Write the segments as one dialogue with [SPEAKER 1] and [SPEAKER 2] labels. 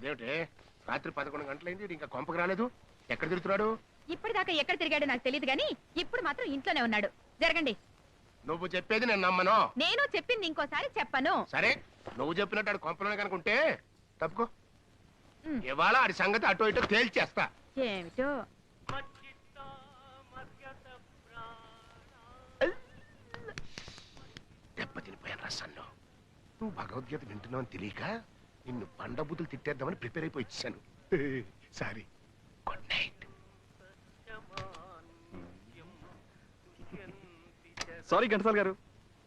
[SPEAKER 1] అదేమిటి రాత్రి 11 గంటలైంది ఇంకా కొంపకి రాలేదు. ఎక్కడ తిరుగుతున్నాడు?
[SPEAKER 2] ఇప్పటిదాకా ఎక్కడ తిరిగాడో నాకు తెలియదు గానీ ఇప్పుడు మాత్రం ఇంట్లోనే ఉన్నాడు. జరగండి.
[SPEAKER 1] నువ్వు చెప్పేది నేను నమ్మను.
[SPEAKER 2] నేను చెప్పింది ఇంకోసారి చెప్పను.
[SPEAKER 1] సరే నువ్వు చెప్పినట్టు ఆడు కొంపలోనే కనుకుంటే తప్పుకో. ఇవాళ ఆడి సంగతి అటో ఇటో తేల్చేస్తా.
[SPEAKER 2] ఏమిటో
[SPEAKER 1] దెబ్బ తినిపోయాను రసంలో. నువ్వు భగవద్గీత వింటున్నావు అని తెలియక నిన్ను బండబుద్ధులు తిట్టేద్దామని ప్రిపేర్ అయిపోయి ఇచ్చాను. Sorry. Good night.
[SPEAKER 3] Sorry Ghantasala garu.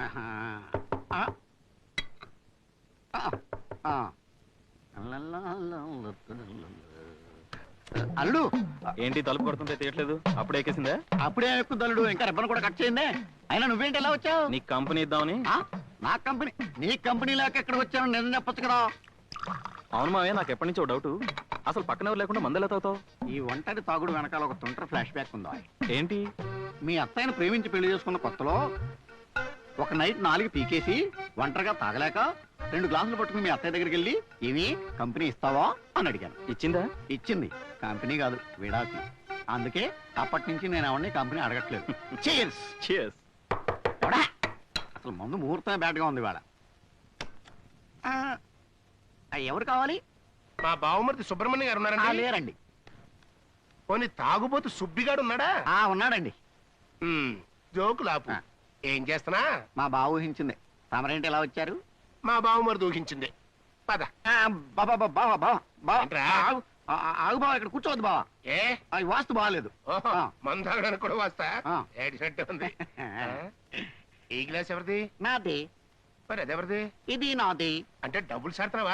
[SPEAKER 4] అల్లుడు
[SPEAKER 3] ఏంటి తలుపు కొడుతుంటే తీయట్లేదు? అప్పుడే ఎక్కేసిందా?
[SPEAKER 4] అప్పుడే ఎక్కువ అల్లుడు. ఇంకా రిబ్బన్ కూడా కట్ చేయండి. అయినా నువ్వేంటి ఎలా వచ్చావు?
[SPEAKER 3] నీకు కంపెనీ ఇద్దామని.
[SPEAKER 4] నా కంపెనీ? నీ కంపెనీ లేక ఎక్కడికి వచ్చాను నేను చెప్పొచ్చు కదా.
[SPEAKER 3] అవును మావయ్య, నాకు ఎప్పటి నుంచో డౌట్. అసలు పక్కన ఎవరు లేకుండా మందెలా తాగుతావు?
[SPEAKER 4] ఈ ఒంటరి తాగుడు వెనకాల ఒక తుంటరి ఫ్లాష్ బ్యాక్ ఉందా?
[SPEAKER 3] ఏంటి?
[SPEAKER 4] మీ అత్తయ్యను ప్రేమించి పెళ్లి చేసుకున్న కొత్తలో ఒక నైట్ 4 పీకేసి ఒంటరిగా తాగలేక 2 గ్లాసులు పట్టుకుని మీ అత్తయ్య దగ్గరికి వెళ్ళి ఏమి కంపెనీ ఇస్తావా అని అడిగాను.
[SPEAKER 3] ఇచ్చిందా?
[SPEAKER 4] ఇచ్చింది. కంపెనీ కాదు, విడాకి. అందుకే అప్పటి నుంచి నేను ఎవరిని కంపెనీ అడగట్లేదు. Cheers.
[SPEAKER 3] Cheers.
[SPEAKER 4] అసలు ముందు ముహూర్తమే బ్యాడ్గా ఉంది ఇవాళ. ఎవరు కావాలి?
[SPEAKER 1] మా బావమరిది సుబ్రహ్మణ్యం గారు ఉన్నారండి?
[SPEAKER 4] లేరండి.
[SPEAKER 1] పోనీ తాగుబోతు సుబ్బిగాడు ఉన్నాడా?
[SPEAKER 4] ఉన్నాడండి.
[SPEAKER 1] జోకులాపు. ఏం చేస్తున్నా?
[SPEAKER 4] మా బావ ఊహించింది. తమరేంటి ఎలా వచ్చారు?
[SPEAKER 1] మా బావమరిది ఊహించింది. పద.
[SPEAKER 4] ఆగు బావ, ఇక్కడ కూర్చోవద్దు బావ.
[SPEAKER 1] ఏ
[SPEAKER 4] అది వాస్తు బాగాలేదు.
[SPEAKER 1] మందు తాగడానికి కూడా వస్తా. ఏడినట్టు ఉంది. ఈ గ్లాస్ ఎవరిది?
[SPEAKER 4] నాది.
[SPEAKER 1] మరి అదెవరిది?
[SPEAKER 4] ఇది నాది.
[SPEAKER 1] అంటే డబ్బులు సాడుతున్నావా?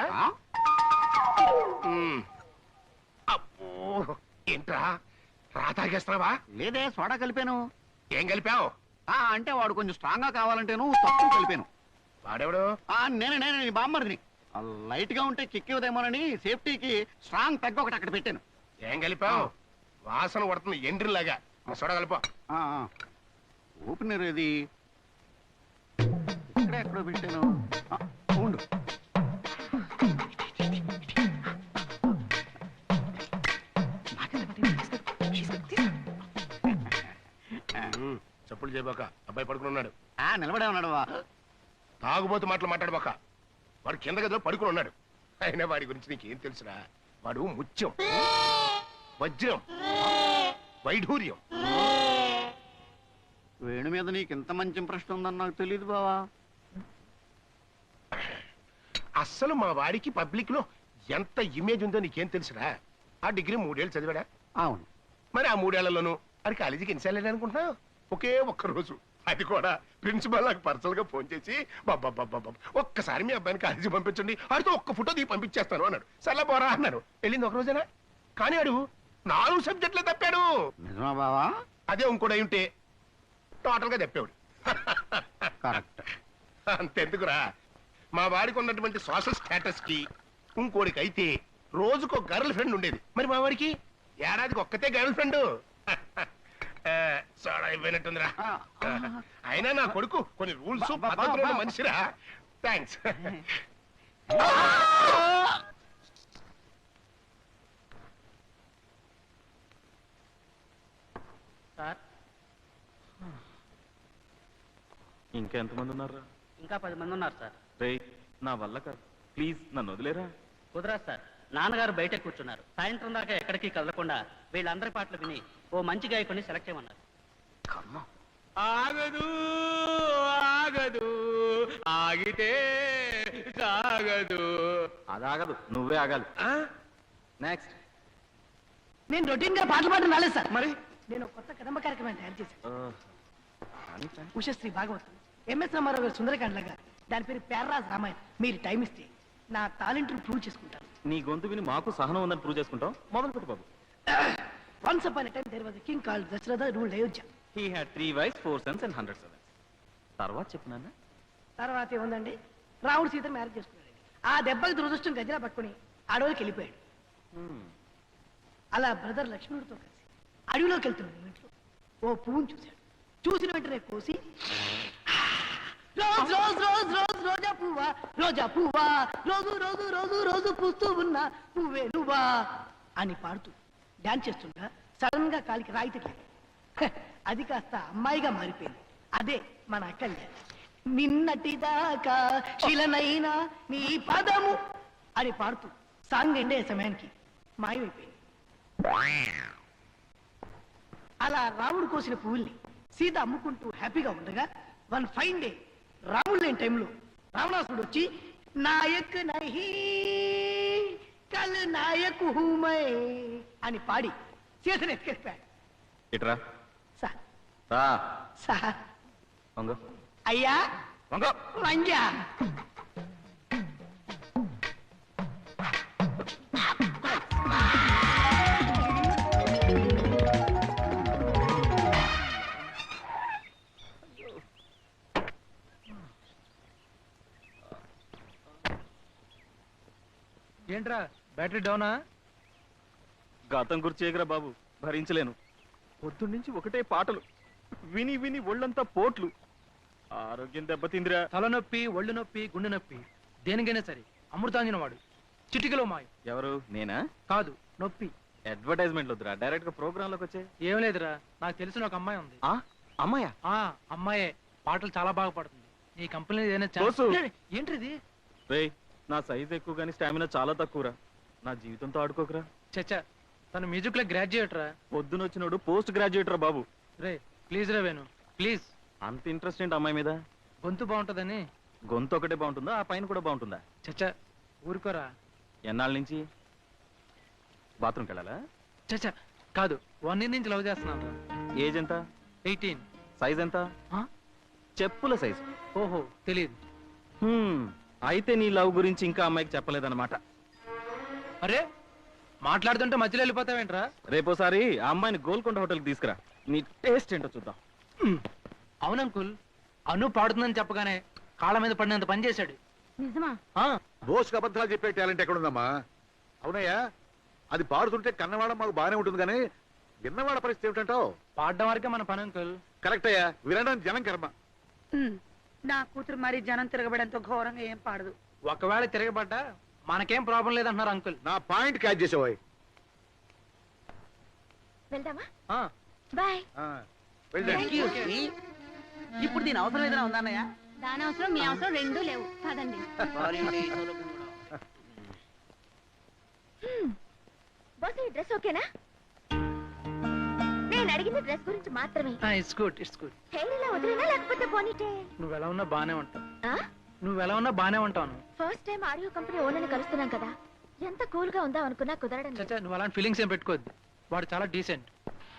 [SPEAKER 1] అబ్బో, ఏంట్రా రా తాగేస్తున్నావా?
[SPEAKER 4] లేదే, సోడా కలిపాను.
[SPEAKER 1] ఏం కలిపావు?
[SPEAKER 4] అంటే వాడు కొంచెం స్ట్రాంగ్ గా కావాలంటేను తక్కువ కలిపాను.
[SPEAKER 1] వాడెవడు?
[SPEAKER 4] నేనే బామ్మరిని. లైట్ గా ఉంటే కిక్ ఇవ్వదేమోనని సేఫ్టీకి స్ట్రాంగ్ తగ్గ ఒకటి అక్కడ పెట్టాను.
[SPEAKER 1] ఏం కలిపావు? వాసన పడుతుంది ఎండ్రిలాగా. సోడా కలిపా.
[SPEAKER 4] ఓపెనర్ ఏది? ఇక్కడే ఎక్కడో పెట్టాను. ఉండు.
[SPEAKER 1] చెప్పులు చేయబాక. అబ్బాయి పడుకుని ఉన్నాడు.
[SPEAKER 4] నిలబడే ఉన్నాడు.
[SPEAKER 1] తాగుబోతు మాటలు మాట్లాడబాక. వాడు కింద గదిలో పడుకుని ఉన్నాడు. అయినా వాడి గురించి నీకేం తెలుసురా? వాడు ముత్యం, వజ్రం, వైఢూర్యం.
[SPEAKER 4] వేణు మీద నీకు ఇంత మంచి ఇంప్రెషన్ ఉందని నాకు తెలియదు బావా.
[SPEAKER 1] అస్సలు మా వాడికి పబ్లిక్ లో ఎంత ఇమేజ్ ఉందో నీకేం తెలుసురా? ఆ డిగ్రీ 3 ఏళ్ళు చదివాడా?
[SPEAKER 4] అవును.
[SPEAKER 1] మరి ఆ 3 ఏళ్లలోనూ అది కాలేజీకి ఎన్నిసార్లు అనుకుంటున్నావు? ఒకే ఒక్క రోజు, అది కూడా ప్రిన్సిపల్ నాకు పర్సనల్ గా ఫోన్ చేసి బాబా ఒక్కసారి మీ అబ్బాయిని కాలేజీ పంపించండి, ఆడితో ఒక్క ఫోటో దిగి పంపించేస్తాను అన్నాడు. సర్లే పోరా అన్నాను. వెళ్ళింది ఒక రోజేనా? కానీ ఆడు 4 సబ్జెక్టులే తప్పాడు.
[SPEAKER 4] నిజమా బావా?
[SPEAKER 1] అదే ఇంకోటి ఉంటే టోటల్ గా తప్పాడు. అంతెందుకురా, మా వాడికి ఉన్నటువంటి సోషల్ స్టేటస్ కి ఇంకోడికి అయితే రోజుకో గర్ల్ ఫ్రెండ్ ఉండేది. మరి మా వాడికి ఏడాదికి ఒక్కతే గర్ల్ ఫ్రెండ్. సోడా అయిపోయినట్టుందిరా. అయినా నా కొడుకు కొన్ని రూల్స్ పద్ధతులు మనిషిరా. థ్యాంక్స్.
[SPEAKER 3] ఇంకా ఎంతమంది ఉన్నారా?
[SPEAKER 5] ఇంకా 10 మంది ఉన్నారు సార్.
[SPEAKER 3] రే, నా వల్ల కాదు, ప్లీజ్ నన్ను వదిలేరా.
[SPEAKER 5] కుదరదు సార్. నాన్నగారు బయట కూర్చున్నారు. సాయంత్రం దాకా ఎక్కడికి కదలకుండా వీళ్ళందరి పాటలు విని ఓ మంచి గాయకుడిని సెలెక్ట్ చేయమన్నారు.
[SPEAKER 6] ఆగదు ఆగదు ఆగితే సాగదు.
[SPEAKER 3] అదాగదు, నువ్వే ఆగాలి. నెక్స్ట్.
[SPEAKER 7] నేను రొటీన్ గా పాటలు పాడడం రాలేదు సార్. మరి నేను కొత్త కదంబ కార్యక్రమాన్ని తయారు చేశాను. ఉషశ్రీ భాగవతం, ఎంఎస్ రామారావు గారు సుందరకాండ్ లాగా. దాని పేరు ప్యారరాజ్ రామాయణం. మీరు టైం ఇస్తే నా టాలెంట్ ప్రూవ్ చేసుకుంటాను.
[SPEAKER 3] నీ గొంతు విని మాకు సహనం ఉందని ప్రూవ్ చేసుకుంటాం. మొదలు పెట్టు బాబు.
[SPEAKER 7] Once upon a time there was a king called Dasharatha ruled Ayodhya.
[SPEAKER 3] He had 3 wives, 4 sons and 100 servants. తర్వాత చెప్పు నాన్న.
[SPEAKER 7] తర్వాత ఏముందండి, రాముడు సీత మ్యారేజ్ చేసుకున్నాడు. ఆ దెబ్బకి దురదృష్టం గజలా పట్టుకుని అడవిలోకి వెళ్ళిపోయాడు. అలా బ్రదర్ లక్ష్మణుడితో కలిసి అడవిలోకి వెళ్తున్నాడు. ఇంట్లో ఓ పువ్వును చూశాడు. చూసిన వెంటనే కోసి రోజ్ రోజ్ రోజ్ రోజ్ రోజా పువ్వా రోజా పువ్వా రోజు రోజు రోజు రోజు పూస్తూ ఉన్న పువ్వే నువ్వా అని పాడుతూ డాన్స్ చేస్తుండగా సడన్ గా కాలికి రాయి తగిలింది. అది కాస్త అమ్మాయిగా మారిపోయింది. అదే మన అక్కల్య. నిన్నటిదాకా శిలనైనా నీ పదము అని పాడుతూ సాంగ్ ఎండే సమయానికి మాయమైపోయింది. అలా రాముడు కోసిన పువ్వుల్ని సీత అమ్ముకుంటూ హ్యాపీగా ఉండగా వన్ ఫైన్ డే రాముడు లేని టైంలో రావణాసుడు వచ్చి నాయక్ నహీ కల్ నాయక్ హూమై అని పాడి సీతను ఎత్తుకెళ్ళిపోయాడు.
[SPEAKER 3] ఇట్రా
[SPEAKER 7] సార్
[SPEAKER 3] రా
[SPEAKER 7] సార్
[SPEAKER 3] వంగ
[SPEAKER 7] అయ్యా
[SPEAKER 3] వంగ
[SPEAKER 7] వంజా
[SPEAKER 6] ఏంట్రా బ్యాటరీ డౌనా?
[SPEAKER 3] గతం గుర్చేయగరా బాబు, భరించలేను. పొద్దున్నుంచి ఒకటే పాటలు విని విని ఒళ్ళంతా పోట్లు. ఆరోగ్యం దెబ్బతిందిరా.
[SPEAKER 6] తలనొప్పి, ఒళ్ళు నొప్పి, గుండె నొప్పి, దేనికైనా సరే అమృతాంజన వాడు. చిటికలో మాయం.
[SPEAKER 3] ఎవరు నేనా?
[SPEAKER 6] కాదు, నొప్పి.
[SPEAKER 3] అడ్వర్టైజ్మెంట్ వద్దురా, డైరెక్ట్ గా ప్రోగ్రామ్ లోకి వచ్చే.
[SPEAKER 6] ఏం లేదురా, నాకు తెలిసిన ఒక అమ్మాయి ఉంది.
[SPEAKER 3] అమ్మాయా?
[SPEAKER 6] ఆ అమ్మాయే పాటలు చాలా బాగా పాడుతుంది. ఈ కంపెనీ ఏదైనా
[SPEAKER 3] బోసు.
[SPEAKER 6] ఏంటిది?
[SPEAKER 3] రేయ్, నా సైజ్ ఎక్కువ కానీ స్టామినా చాలా తక్కువరా. నా జీవితంతో ఆడుకోకరా.
[SPEAKER 6] చచ్చా, తను మ్యూజిక్ లో గ్రాడ్యుయేట్ రా.
[SPEAKER 3] పొద్దునొచ్చినోడు పోస్ట్ గ్రాడ్యుయేట్ రా బాబు.
[SPEAKER 6] రే ప్లీజ్ రా వేణు, ప్లీజ్.
[SPEAKER 3] అంత ఇంట్రెస్ట్ ఏంటి అమ్మాయి మీద?
[SPEAKER 6] గొంతు బాగుంటదని.
[SPEAKER 3] గొంతు ఒకటే బాగుంటుందా, ఆ పైన కూడా బాగుంటుందా?
[SPEAKER 6] చచ్చా, ఊరుకోరా.
[SPEAKER 3] ఎన్నాళ్ళ నుంచి? బాత్రూమ్కి వెళ్ళాలా?
[SPEAKER 6] చచ్చా కాదు, 1 year నుంచి లవ్ చేస్తున్నాను రా.
[SPEAKER 3] ఏజ్ ఎంత?
[SPEAKER 6] 18.
[SPEAKER 3] సైజ్ ఎంత?
[SPEAKER 6] ఆ?
[SPEAKER 3] చెప్పుల సైజ్.
[SPEAKER 6] ఓహో తెలియదు.
[SPEAKER 3] అయితే నీ లవ్ గురించి ఇంకా అమ్మాయికి చెప్పలేదన్నమాట.
[SPEAKER 6] అరే మాట్లాడుతుంటే మధ్యలో వెళ్ళిపోతావేంట్రా?
[SPEAKER 3] రేపోసారి ఆ అమ్మాయిని గోల్కొండ హోటల్కి తీసుకురా, నీ టేస్ట్ ఏంటో చూద్దాం.
[SPEAKER 6] అవును అంకుల్, అను పాడుతుందని చెప్పగానే కాళ్ళ మీద పడినంత పని చేశాడు.
[SPEAKER 2] నిజమా?
[SPEAKER 8] బోస్కి అబద్ధాలు చెప్పే టాలెంట్ ఎక్కడుందమ్మా? అవునయ్యా, అది పాడుతుంటే కన్నవాడ మాకు బాగానే ఉంటుంది కానీ విన్నవాడ పరిస్థితి ఏమిటంటావు?
[SPEAKER 6] పాడడం వరకే మన పని అంకుల్.
[SPEAKER 8] కరెక్ట్ అయ్యా, వినడం జనం కర్మ.
[SPEAKER 9] నా కూతురు మరి జనం తిరగబడంతో ఘోరంగా ఏం పాడదు.
[SPEAKER 6] ఒకవేళ తిరగబడ్డా మనకేం ప్రాబ్లం లేదంటున్నారు అంకుల్.
[SPEAKER 8] నా పాయింట్ క్యాచ్ చేసేవాయ్.
[SPEAKER 2] వెళ్దామా?
[SPEAKER 6] ఆ,
[SPEAKER 2] బాయ్.
[SPEAKER 8] వెళ్ళండి.
[SPEAKER 9] ఇప్పుడు దీని అవసరం ఏదైనా ఉందా అన్నయ్య?
[SPEAKER 2] దాని అవసరం మీ అవసరం రెండూ లేవు కాదండి. బాస్, ఈ డ్రెస్ ఓకేనా? నేను అడిగిన డ్రెస్ గురించి మాత్రమే.
[SPEAKER 6] It's good, it's good.
[SPEAKER 2] Hair ఇలా వదిలేనా లేకపోతే పోనీటే?
[SPEAKER 6] నువ్వు ఎలా ఉన్నా బానే ఉంటావు. నువ్వు ఎలా ఉన్నా బానే ఉంటాను.
[SPEAKER 2] ఫస్ట్ టైం ఆడియో కంపెనీ ఓనర్ని కలుస్తున్నాం కదా, ఎంత కూల్ గా ఉందా అనుకున్నా కుదరడం లేదు.
[SPEAKER 6] చచ్చా, నువ్వు అలాంటి ఫీలింగ్స్ ఏం పెట్టుకోవద్దు. వాడు చాలా డీసెంట్.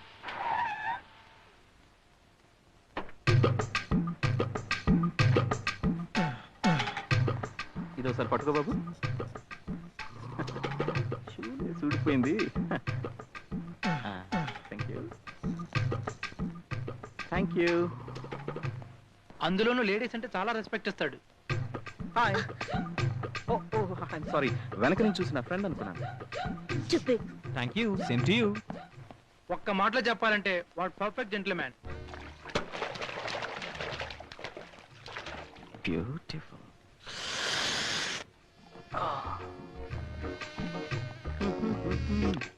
[SPEAKER 3] ఇది ఒకసారి పట్టుకో బాబు. చూడిపోయింది. Thank you.
[SPEAKER 6] అందులోనూ లేడీస్ అంటే చాలా రెస్పెక్ట్ ఇస్తాడు.
[SPEAKER 3] హాయ్. సారీ, వెనక నుంచి చూసిన ఫ్రెండ్ అనుకున్నాను. Thank you, same to you.
[SPEAKER 6] ఒక్క మాటలో చెప్పాలంటే వాడు పర్ఫెక్ట్ జెంట్ల్మ్యాన్.
[SPEAKER 3] బ్యూటిఫుల్.